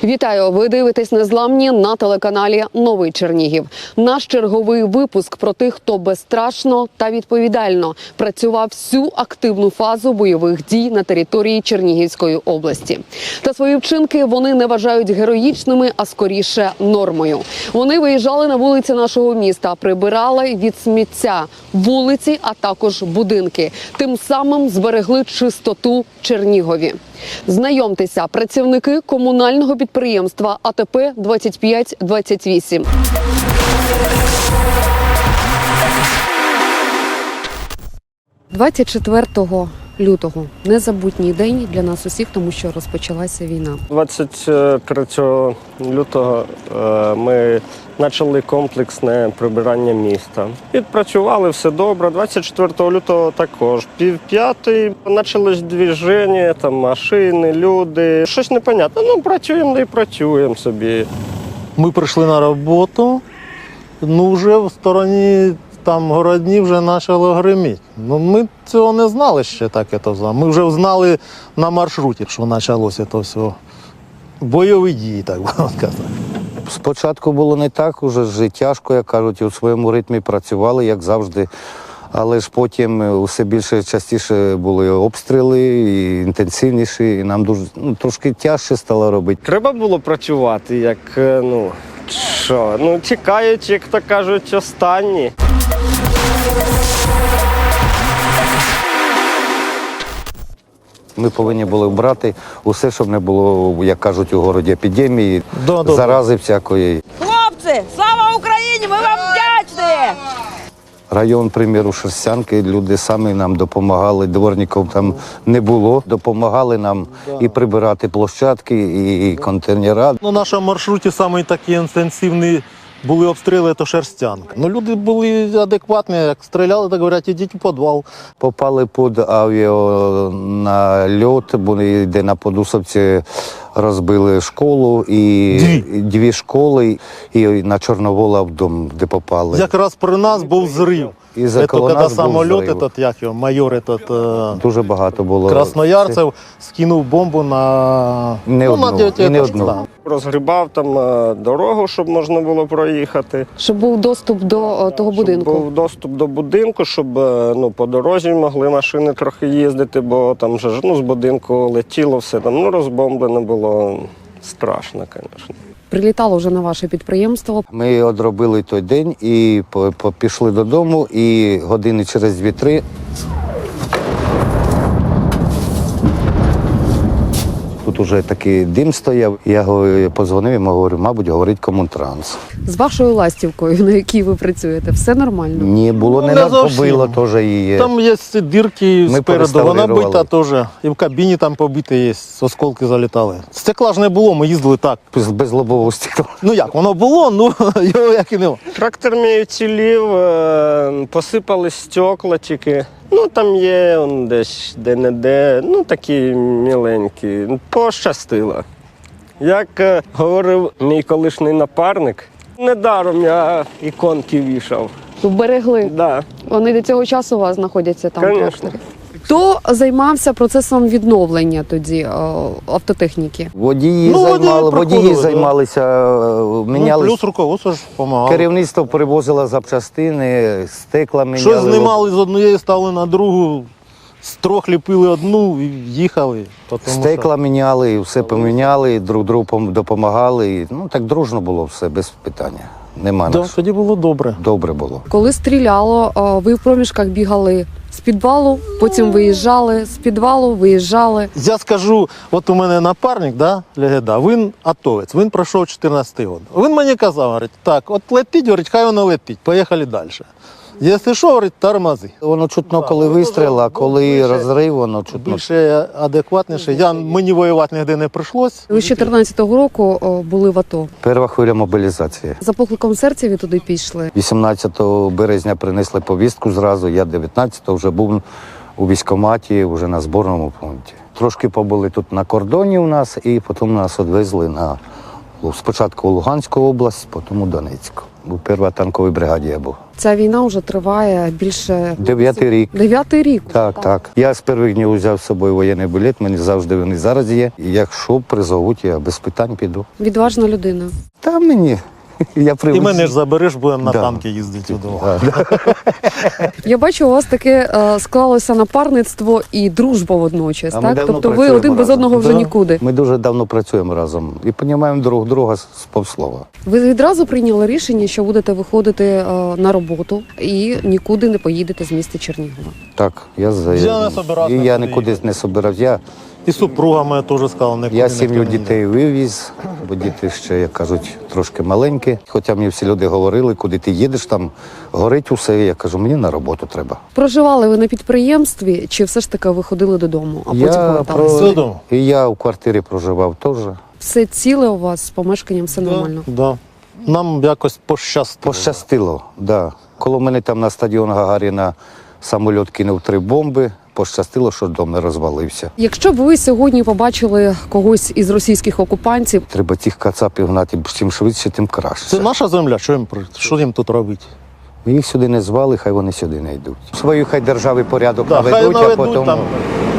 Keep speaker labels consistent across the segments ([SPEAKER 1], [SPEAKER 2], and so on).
[SPEAKER 1] Вітаю! Ви дивитесь «Незламні» на телеканалі «Новий Чернігів». Наш черговий випуск про тих, хто безстрашно та відповідально працював всю активну фазу бойових дій на території Чернігівської області. Та свої вчинки вони не вважають героїчними, а скоріше нормою. Вони виїжджали на вулиці нашого міста, прибирали від сміття вулиці, а також будинки. Тим самим зберегли чистоту в Чернігові. Знайомтеся, працівники комунального підприємства АТП 2528. – 24 лютого – незабутній день для нас усіх, тому що розпочалася війна.
[SPEAKER 2] 23 лютого ми почали комплексне прибирання міста. Відпрацювали, все добре. 24 лютого також. 4:30 почалось движення, там машини, люди. Щось непонятне. Ну, працюємо, да і працюємо собі.
[SPEAKER 3] Ми прийшли на роботу, вже в стороні там городні вже почало гриміти. Ми цього не знали ще таке. Ми вже знали на маршруті, що почалося це все. Бойові дії, так би сказати.
[SPEAKER 4] Спочатку було не так, уже тяжко, як кажуть, у своєму ритмі працювали, як завжди. Але ж потім усе більше, частіше були обстріли, і інтенсивніші, і нам дуже, трошки тяжче стало робити.
[SPEAKER 2] Треба було працювати, як, чекають, як то кажуть, останні.
[SPEAKER 4] Ми повинні були брати усе, щоб не було, як кажуть, у городі епідемії, зарази всякої.
[SPEAKER 5] Хлопці, слава Україні! Ми вам вдячні!
[SPEAKER 4] Район, приміру, Шерстянки, люди самі нам допомагали, дворників там не було. Допомагали нам і прибирати площадки, і контейнера.
[SPEAKER 3] На нашому маршруті самі такі інтенсивні були обстріли, це Шерстянка. Люди були адекватні, як стріляли, так говорять, ідіть у підвал.
[SPEAKER 4] Попали під авіанальот, де на Подусовці розбили школу, і дві школи, і на Чорновола в дом, де попали.
[SPEAKER 3] Якраз при нас був зрив.
[SPEAKER 4] І
[SPEAKER 3] це коли самоліт, майор,
[SPEAKER 4] дуже багато було.
[SPEAKER 3] Красноярцев скинув бомбу на...
[SPEAKER 4] Не одну.
[SPEAKER 2] Розгрібав там дорогу, щоб можна було проїхати.
[SPEAKER 1] Щоб був доступ до того будинку.
[SPEAKER 2] Щоб був доступ до будинку, щоб по дорозі могли машини трохи їздити, бо там же з будинку летіло все, там розбомблено було. Страшно, звісно.
[SPEAKER 1] Прилітало вже на ваше підприємство.
[SPEAKER 4] Ми одробили той день і пішли додому, і години через 2-3 тут уже такий дим стояв. Я подзвонив йому, говорю, мабуть, говорить Комунтранс.
[SPEAKER 1] З вашою ластівкою, на якій ви працюєте, все нормально?
[SPEAKER 4] Ні, було не побило теж її.
[SPEAKER 3] Там є дірки спереду, вона бита теж. І в кабіні там побите є, осколки залітали. Стекла ж не було, ми їздили так.
[SPEAKER 4] Без лобового стекла.
[SPEAKER 3] Як, воно було, його як і не.
[SPEAKER 2] Трактор мій уцілів, посипали стекла тільки. Там є десь де-не-де, такі міленькі. Пощастило. Як говорив мій колишній напарник, недаром я іконки вішав.
[SPEAKER 1] Вберегли?
[SPEAKER 2] Да.
[SPEAKER 1] Вони до цього часу у вас знаходяться там?
[SPEAKER 2] Конечно.
[SPEAKER 1] Хто займався процесом відновлення тоді автотехніки?
[SPEAKER 4] Водії займалися, мінялися.
[SPEAKER 3] Плюс руководство ж допомагало.
[SPEAKER 4] Керівництво привозило запчастини, стекла міняли.
[SPEAKER 3] Щось знімали з однієї, ставили на другу, з трьох ліпили одну і їхали.
[SPEAKER 4] Стекла міняли, і все поміняли, і друг другу допомагали. Так дружно було все, без питання. Нема нас.
[SPEAKER 3] Тоді було добре.
[SPEAKER 4] Добре було.
[SPEAKER 1] Коли стріляло, ви в проміжках бігали з підвалу, потім виїжджали, з підвалу виїжджали.
[SPEAKER 3] Я скажу, от у мене напарник, Легеда, він атовець, він пройшов 14-й рік. Він мені казав, говорить, так, от летить, хай воно летить, поїхали далі. Якщо що, говорить, тормози.
[SPEAKER 4] Воно чутно, коли вистріл, а коли розрив, воно чутно.
[SPEAKER 3] Більше адекватніше. Мені воювати ніде не прийшлось.
[SPEAKER 1] Ви з 14-го року були в АТО.
[SPEAKER 4] Перша хвиля мобілізації.
[SPEAKER 1] За покликом серця ви туди пішли?
[SPEAKER 4] 18 березня принесли повістку зразу, я 19-го вже був у військкоматі, вже на зборному пункті. Трошки побули тут на кордоні у нас, і потім нас відвезли Спочатку у Луганську область, потім у Донецьку. У 1-й танковій бригаді я був.
[SPEAKER 1] Ця війна вже триває більше
[SPEAKER 4] 9-й рік.
[SPEAKER 1] 9-й рік.
[SPEAKER 4] Так. Я з перших днів взяв з собою воєнний білет, мені завжди вони зараз є. І якщо призовуть, я без питань піду.
[SPEAKER 1] Відважна людина.
[SPEAKER 4] Та мені, я привик.
[SPEAKER 3] І мене ж забереш, будемо на
[SPEAKER 4] Да.
[SPEAKER 3] танки їздити вдома.
[SPEAKER 4] Да.
[SPEAKER 1] Я бачу, у вас таке склалося напарництво і дружба водночас.
[SPEAKER 4] А ми
[SPEAKER 1] Так?
[SPEAKER 4] давно
[SPEAKER 1] Тобто ви
[SPEAKER 4] працюємо
[SPEAKER 1] один без
[SPEAKER 4] разом.
[SPEAKER 1] одного вже
[SPEAKER 3] Да.
[SPEAKER 1] нікуди.
[SPEAKER 4] Ми дуже давно працюємо разом і розуміємо друг друга з півслова.
[SPEAKER 1] Ви відразу прийняли рішення, що будете виходити на роботу і нікуди не поїдете з міста Чернігова.
[SPEAKER 4] Так,
[SPEAKER 3] Я не собирався
[SPEAKER 4] і я
[SPEAKER 3] нікуди
[SPEAKER 4] нікуди
[SPEAKER 3] їхати.
[SPEAKER 4] не собирався.
[SPEAKER 3] І супруга моя теж сказала, нікуди
[SPEAKER 4] Я
[SPEAKER 3] ніхто
[SPEAKER 4] сім'ю
[SPEAKER 3] не йде.
[SPEAKER 4] дітей вивіз, бо діти ще, як кажуть, трошки маленькі. Хоча мені всі люди говорили, куди ти їдеш, там горить усе. Я кажу, мені на роботу треба.
[SPEAKER 1] Проживали ви на підприємстві, чи все ж таки ви ходили додому, а потім
[SPEAKER 4] Я
[SPEAKER 1] поверталися?
[SPEAKER 3] Все вдома.
[SPEAKER 4] І я в квартирі проживав теж.
[SPEAKER 1] Все ціле у вас з помешканням, все нормально.
[SPEAKER 3] Да. Нам якось пощастило.
[SPEAKER 4] Пощастило, да. Коли мене там на стадіон Гагаріна самоліт кинув 3 бомби, пощастило, що дом не розвалився.
[SPEAKER 1] Якщо б ви сьогодні побачили когось із російських окупантів,
[SPEAKER 4] Треба цих кацапів гнати, чим швидше, тим краще.
[SPEAKER 3] Це наша земля, що їм тут робити?
[SPEAKER 4] Ми їх сюди не звали, хай вони сюди не йдуть. Свою хай держави порядок
[SPEAKER 3] Да, хай
[SPEAKER 4] наведуть, а
[SPEAKER 3] наведуть
[SPEAKER 4] потім...
[SPEAKER 3] там.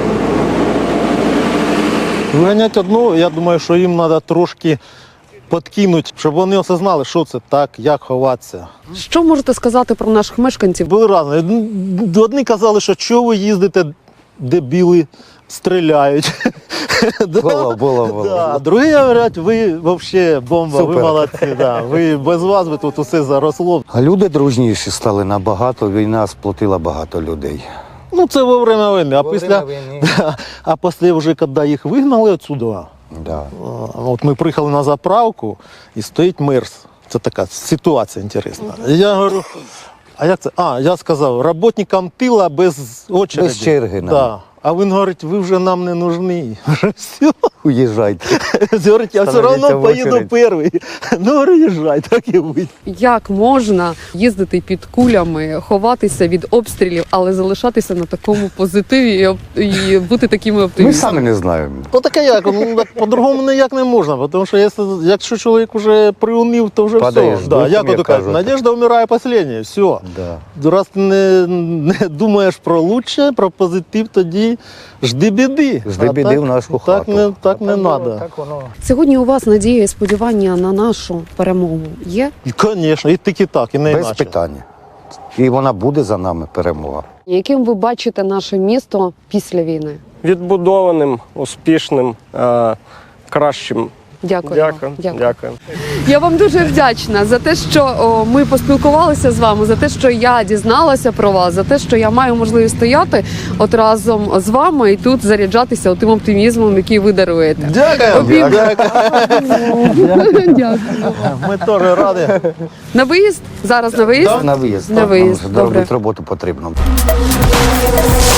[SPEAKER 3] Виганять одну, я думаю, що їм треба трошки підкинути, щоб вони осознали, що це так, як ховатися.
[SPEAKER 1] що можете сказати про наших мешканців?
[SPEAKER 3] Були разні. Одні казали, що чого ви їздите, де біли стріляють.
[SPEAKER 4] Було.
[SPEAKER 3] Да. Другі говорять, ви взагалі бомба, ви
[SPEAKER 4] Супер.
[SPEAKER 3] молодці. Да. Ви без вас би тут усе заросло.
[SPEAKER 4] А люди дружніші стали набагато, війна сплотила багато людей.
[SPEAKER 3] Ну це во время війни. А
[SPEAKER 4] Во
[SPEAKER 3] після,
[SPEAKER 4] время війни.
[SPEAKER 3] да, а після вже, коли їх вигнали отсюда,
[SPEAKER 4] Да.
[SPEAKER 3] от ми приїхали на заправку і стоїть мерс. Це така ситуація інтересна. І я говорю, а як це? Я сказав, роботникам тила без очереди.
[SPEAKER 4] Без черги нам.
[SPEAKER 3] Да. А він говорить, ви вже нам не нужні. Все.
[SPEAKER 4] Уїжджайте.
[SPEAKER 3] Говорить, я все
[SPEAKER 4] Становіться
[SPEAKER 3] одно
[SPEAKER 4] в
[SPEAKER 3] поїду
[SPEAKER 4] очередь.
[SPEAKER 3] перший. Ну, говорю, їжджай, так і будь.
[SPEAKER 1] Як можна їздити під кулями, ховатися від обстрілів, але залишатися на такому позитиві і бути такими
[SPEAKER 4] Ми
[SPEAKER 1] оптимістами?
[SPEAKER 4] самі не знаємо.
[SPEAKER 3] Ну таке як, ну, так по-другому ніяк не можна, тому що якщо чоловік вже приунив, то вже
[SPEAKER 4] Падаєш
[SPEAKER 3] все.
[SPEAKER 4] духом,
[SPEAKER 3] Як
[SPEAKER 4] як
[SPEAKER 3] ото кажуть,
[SPEAKER 4] кажуть.
[SPEAKER 3] надежда вмирає останнє, все.
[SPEAKER 4] Да.
[SPEAKER 3] Раз ти не думаєш про лучше, про позитив, тоді жди біди.
[SPEAKER 4] Жди
[SPEAKER 3] А
[SPEAKER 4] біди
[SPEAKER 3] так-
[SPEAKER 4] в нашу
[SPEAKER 3] так
[SPEAKER 4] хату.
[SPEAKER 3] Так не треба.
[SPEAKER 4] Так воно.
[SPEAKER 1] Сьогодні у вас надія і сподівання на нашу перемогу є?
[SPEAKER 3] Звісно, і тільки так, і не
[SPEAKER 4] Без
[SPEAKER 3] іначе.
[SPEAKER 4] питання. І вона буде за нами, перемога.
[SPEAKER 1] Яким ви бачите наше місто після війни?
[SPEAKER 2] Відбудованим, успішним, кращим.
[SPEAKER 1] Дякую. вам.
[SPEAKER 2] Дякую.
[SPEAKER 1] Я вам дуже вдячна за те, що ми поспілкувалися з вами, за те, що я дізналася про вас, за те, що я маю можливість стояти от разом з вами і тут заряджатися тим оптимізмом, який ви даруєте.
[SPEAKER 3] Дякую.
[SPEAKER 1] Дякую.
[SPEAKER 3] Ми теж раді.
[SPEAKER 1] На виїзд? Зараз на виїзд?
[SPEAKER 4] На виїзд.
[SPEAKER 1] На
[SPEAKER 4] так,
[SPEAKER 1] виїзд,
[SPEAKER 4] нам
[SPEAKER 1] добре.
[SPEAKER 4] робити роботу потрібно.